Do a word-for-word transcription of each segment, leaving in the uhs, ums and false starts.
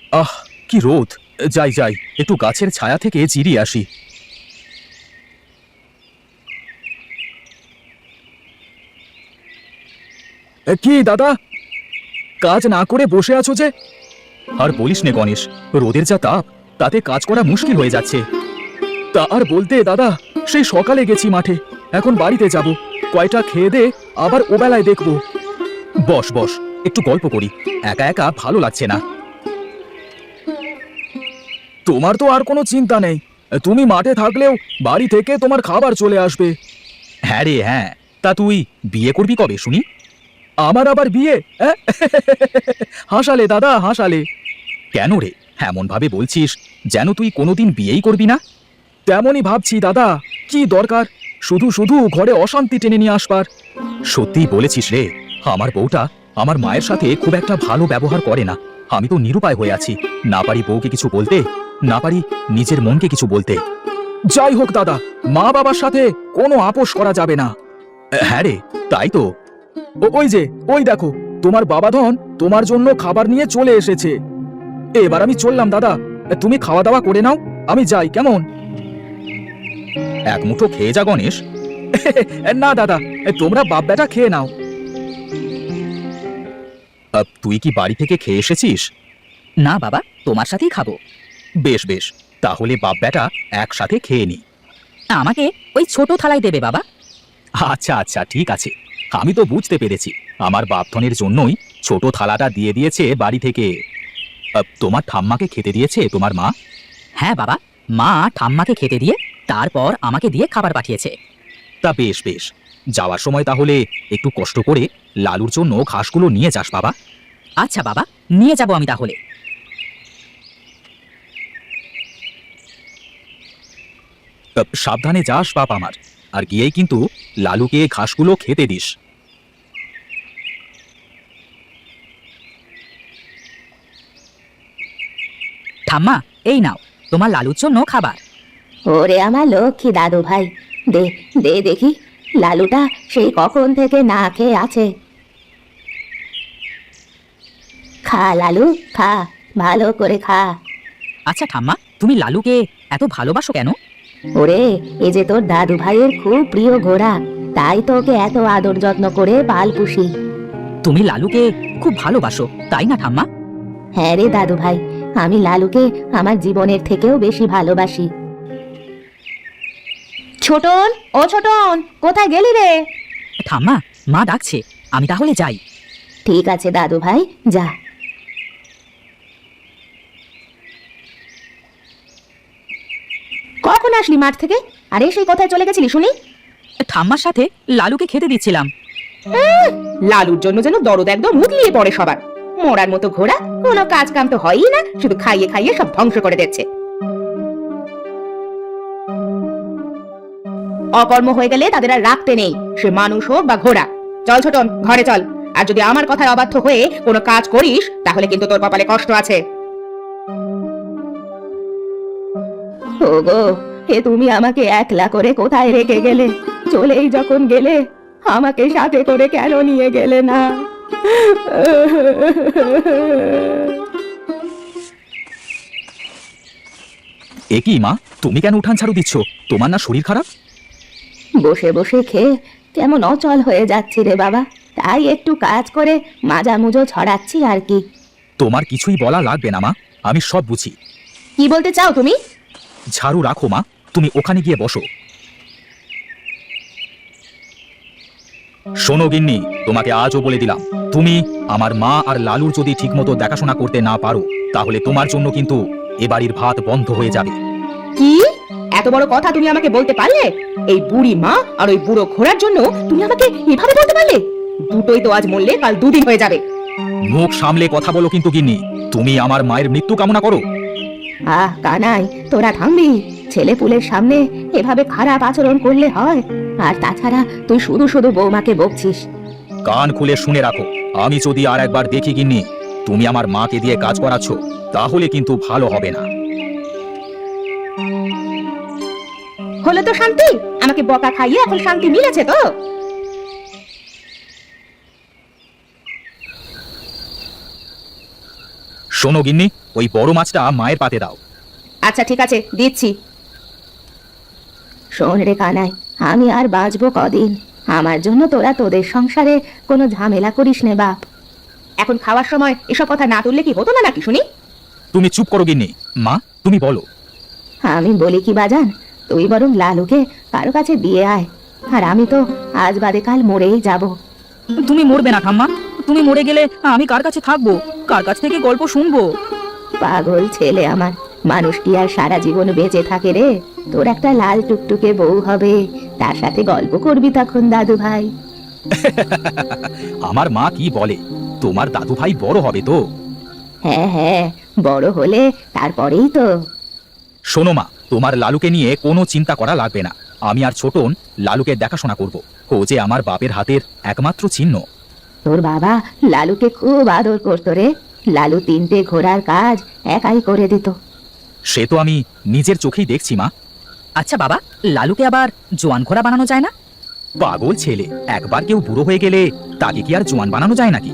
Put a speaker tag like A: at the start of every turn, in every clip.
A: আহ, কি রোদ! যাই যাই, একটু গাছের ছায়া থেকে জিরিয়ে আসি। এ, কি দাদা, কাজ না করে বসে আছো যে? আর বলিস নে গণেশ, রোদের যা তাপ, তাতে কাজ করা মুশকিল হয়ে যাচ্ছে। তা আর বলতে দাদা, সেই সকালে গেছি মাঠে, এখন বাড়িতে যাব। কয়টা খেয়ে দে, আবার ওবেলায় দেখব। বস বস, একটু গল্প করি, একা একা ভালো লাগছে না। তোমার তো আর কোনো চিন্তা নেই, তুমি মাঠে থাকলেও বাড়ি থেকে তোমার খাবার চলে আসবে। হ্যাঁ রে হ্যাঁ, তা তুই বিয়ে করবি কবে শুনি? আমার আবার বিয়ে? অ্যাঁ? হাসালে দাদা, হাসালে। কেন রে এমন ভাবে বলছিস, যেন তুই কোনোদিন বিয়েই করবি না? তেমনই ভাবছি দাদা, কি দরকার শুধু শুধু ঘরে অশান্তি টেনে নিয়ে আসবার। সত্যিই বলেছিস রে, আমার বউটা আমার মায়ের সাথে খুব একটা ভালো ব্যবহার করে না। আমি তো নিরুপায় হয়ে আছি, না পারি বউকে কিছু বলতে, না পারি নিজের মনকে কিছু বলতে। যাই হোক দাদা, মা বাবার সাথে কোনো আপোষ করা যাবে না। হ্যাঁ রে, তাই তো। ও- ওই যে, ওই দেখো, তোমার বাবাধন তোমার জন্য খাবার নিয়ে চলে এসেছে। এবার আমি চললাম দাদা, তুমি খাওয়া দাওয়া করে নাও, আমি যাই কেমন? এক মুঠো খেয়ে যা গণেশ। না দাদা, তোমরা বাপ বেটা খেয়ে নাও। আহ, তুই কি বাড়ি থেকে খেয়ে এসেছিস?
B: না বাবা, তোমার সাথেই খাবো।
A: বেশ বেশ, তাহলে বাপ বেটা একসাথে খেয়ে নি।
B: আমাকে ওই ছোট থালায় দেবে বাবা।
A: আচ্ছা আচ্ছা, ঠিক আছে, আমি তো বুঝতে পেরেছি, আমার বাপধনের জন্যই ছোট থালাটা দিয়ে দিয়েছে বাড়ি থেকে। আহ, তোমার ঠাম্মাকে খেতে দিয়েছে তোমার মা?
B: হ্যাঁ বাবা, মা ঠাম্মাকে খেতে দিয়ে তারপর আমাকে দিয়ে খাবার পাঠিয়েছে।
A: তা বেশ বেশ, যাওয়ার সময় তাহলে একটু কষ্ট করে লালুর জন্য ঘাসগুলো নিয়ে যাস বাবা।
B: আচ্ছা বাবা, নিয়ে যাব আমি তাহলে।
A: আহ, সাবধানে যাস বাপ আমার, আর গিয়েই কিন্তু লালুকে ঘাসগুলো খেতে দিস।
B: ঠাম্মা, এই নাও তোমার লালুর জন্য খাবার।
C: ওরে আমার লক্ষ্মী দাদু ভাই, দে দে দেখি, লালুটা সেই কখন থেকে না খেয়ে আছে। খা লালু, খা, ভালো করে খা।
B: আচ্ছা ঠাম্মা, তুমি লালুকে এত ভালোবাসো কেন?
C: ওরে, এ যে তোর দাদু ভাইয়ের খুব প্রিয় ঘোড়া, তাই তো ওকে এত আদর যত্ন করে পাল পুষি।
B: তুমি লালুকে খুব ভালোবাসো, তাই না ঠাম্মা?
C: হ্যাঁ রে দাদু ভাই, আমি লালুকে আমার জীবনের থেকেও বেশি ভালোবাসি। ছোটন, ও ছোটন, কোথায় গেলি রে?
B: ঠাম্মা, মা ডাকছে, আমি তাহলে যাই।
C: ঠিক আছে দাদু ভাই, যা। কখন আসলি মাঠ থেকে? আরে সেই কোথায় চলে গেছিলি শুনি?
B: ঠাম্মার সাথে লালুকে খেতে দিচ্ছিলাম।
D: লালুর জন্য যেন দরদ একদম মুদলিয়ে পড়ে সবার। মোড়ার মতো ঘোড়া, কোনো কাজ কাম তো হয়ই না, শুধু খাইয়ে খাইয়ে সব ধ্বংস করে দিচ্ছে। অকর্ম হয়ে গেলে তাদের আর রাখতে নেই, সে মানুষ হোক বা ঘোড়া। চল ছোটন, ঘরে চল, আর যদি আমার কথায় অবাধ্য হয়ে কোনো কাজ করিস তাহলে কিন্তু তোর কপালে কষ্ট আছে।
C: ওগো, এ তুমি আমাকে একলা করে কোথায় রেখে গেলে? চলেই যখন গেলে, আমাকে সাথে করে কেন নিয়ে গেলে না?
A: এ কি মা, তুমি কেন উঠান ঝাড়ু দিচ্ছ? তোমার না শরীর খারাপ?
C: বসে বসে খেয়ে কেমন অচল হয়ে যাচ্ছি রে বাবা, তাই একটু কাজ করে মাজা মুজো ছড়াচ্ছি আর কি।
A: তোমার কিছুই বলা লাগবে না মা, আমি সব বুঝি।
C: কি বলতে চাও তুমি?
A: ঝাড়ু রাখো মা, তুমি ওখানে গিয়ে বসো। শোনো গিন্নি, তোমাকে আজও বলে দিলাম, তুমি আমার মা আর লালুর যদি ঠিকমতো দেখাশোনা করতে না পারো, তাহলে তোমার জন্য কিন্তু এ বাড়ির ভাত বন্ধ হয়ে যাবে।
D: কি এত বড় কথা তুমি আমাকে বলতে পারলে? এই বুড়ি মা আর ওই বুড়ো ঘোড়ার জন্য তুমি আমাকে এভাবে বলতে পারলে? দুটোই তো আজ মরলে কাল দুদিন হয়ে যাবে।
A: মুখ সামলে কথা বলো কিন্তু গিন্নি, তুমি আমার মায়ের মৃত্যু কামনা করো?
C: আহ কানাই, তোরা থামবি? ছেলে পুলের সামনে এভাবে খারাপ আচরণ করলে হয়? আর তাছাড়া তুই শুধু শুধু বৌমাকে বকছিস।
A: কান খুলে শুনে রাখো, আমি যদি আর একবার দেখি গিন্নি তুমি আমার মাকে দিয়ে কাজ করাচ্ছ, তাহলে কিন্তু ভালো হবে না।
D: হলো তো শান্তি? আমাকে বকা খাইয়ে এখন শান্তি মিলেছে তো?
A: শোনো গিন্নি, ওই বড় মাছটা মায়ের পাতে দাও।
D: আচ্ছা ঠিক আছে, দিচ্ছি।
C: শোন রে কানাই, আমি আর বাঁচবো কদিন? আমার জন্য তোরা তোদের সংসারে কোনো ঝামেলা করিস নে বাপ।
D: এখন খাওয়ার সময় এসব কথা না তুললে কি হতো না নাকি শুনি?
A: তুমি চুপ করো গিন্নি। মা তুমি বলো।
C: আমি বলি কি বাজান, তুই বরং লালুকে কারো কাছে দিয়ে আয়। আর আমি তো আজ বাদে কাল মরেই যাব।
B: তুমি মরবে না ঠাম্মা। তুমি মরে গেলে আমি কার কাছে থাকবো? কার কাছ থেকে গল্প শুনবো?
C: পাগল ছেলে আমার, মানুষ কি আর সারা জীবন বেঁচে থাকে রে? তোর একটা লাল টুকটুকে বউ হবে, তার সাথে গল্প করবি তখন দাদু ভাই।
A: আমার মা কি বলে, তোমার দাদু ভাই বড় হবে তো?
C: হ্যাঁ হ্যাঁ, বড় হলে তারপরেই তো।
A: শোনো মা, তোমার লালুকে নিয়ে কোনো চিন্তা করা লাগবে না। আমি আর ছোটন লালুকে দেখাশোনা করব। ও যে আমার বাপের হাতের একমাত্র চিহ্ন।
C: তোর বাবা লালুকে খুব আদর করতো রে। লালু তিনটে ঘোড়ার কাজ একাই করে দিত।
A: সে তো আমি নিজের চোখেই দেখছি মা।
B: আচ্ছা বাবা, লালুকে আবার জোয়ান ঘোড়া বানানো যায় না?
A: পাগল ছেলে, একবার কেউ বুড়ো হয়ে গেলে তাকে কি আর জোয়ান বানানো যায় নাকি?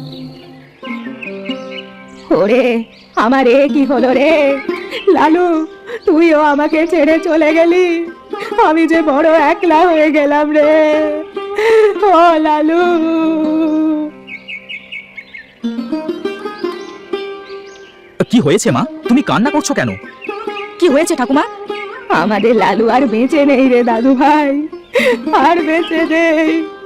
C: ওরে আমার এ কি হলো রে লালু, তুইও আমাকে ছেড়ে চলে গেলি। আমি যে বড় একলা হয়ে গেলাম রে। ও লালু,
A: কি হয়েছে মা? তুমি কান্না করছো কেন?
B: কি হয়েছে ঠাকুমা?
C: আমাদের লালু আর বেঁচে নেই রে দাদু ভাই, আর বেঁচে নেই।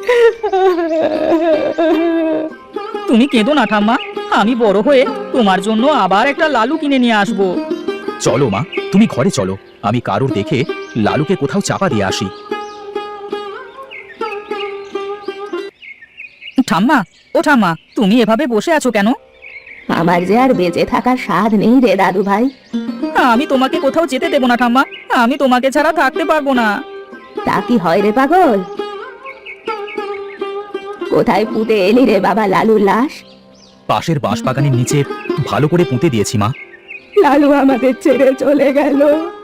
B: তুমি কেঁদো না ঠাম্মা। আমি বড় হয়ে তোমার জন্য আবার একটা লালু কিনে নিয়ে আসবো।
A: চলো মা, তুমি ঘরে চলো। আমি কারোর দেখে লালুকে কোথাও চাপা দিয়ে আসি।
B: ঠাম্মা, ও ঠাম্মা, তুমি এভাবে বসে আছো কেন?
C: আমার যে আর বেঁচে থাকার স্বাদ নেই রে দাদু ভাই।
B: আমি তোমাকে কোথাও যেতে দেবো না ঠাম্মা। আমি তোমাকে ছাড়া থাকতে পারবো না।
C: তা কি হয় রে পাগল? কোথায় পুঁতে এলি রে বাবা লালুর লাশ?
A: পাশের বাঁশবাগানের নিচে ভালো করে পুঁতে দিয়েছি মা।
C: লালু আমাদের ছেড়ে চলে গেল।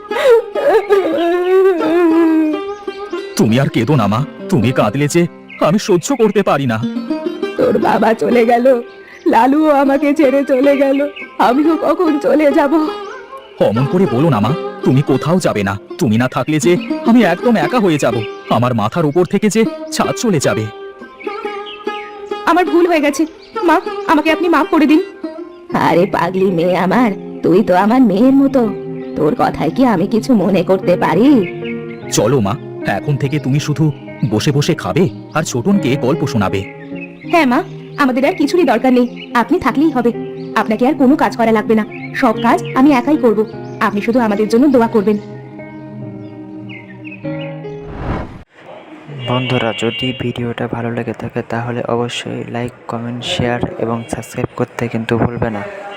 A: তুমি আর কেঁদো না মা। তুমি কাঁদলে যে আমি সহ্য করতে পারি না।
C: তোর বাবা চলে গেল, লালুও আমাকে ছেড়ে চলে গেল, আমিও কখন চলে যাব?
A: অমন করে বলো না মা। তুমি কোথাও যাবে না। তুমি না থাকলে যে আমি একদম একা হয়ে যাব। আমার মাথার উপর থেকে যে ছাদ চলে যাবে।
D: আমার ভুল হয়ে গেছে মা, আমাকে আপনি মাফ করে দিন।
C: আরে পাগলি মেয়ে আমার, তুই তো আমার মেয়ের মতো। তোর কথায় কি আমি কিছু মনে করতে পারি?
A: চলো মা, এখন থেকে তুমি শুধু বসে বসে খাবে আর ছোটনকে গল্প শোনাবে।
D: হ্যাঁ মা, আমাদের আর কিছুরই দরকার নেই। আপনি থাকলেই হবে। আপনাকে আর কোনো কাজ করা লাগবে না। সব কাজ আমি একাই করব। আপনি শুধু আমাদের জন্য দোয়া করবেন।
E: বন্ধুরা, যদি ভিডিওটা ভালো লেগে থাকে তাহলে অবশ্যই লাইক, কমেন্ট, শেয়ার এবং সাবস্ক্রাইব করতে কিন্তু ভুলবে না।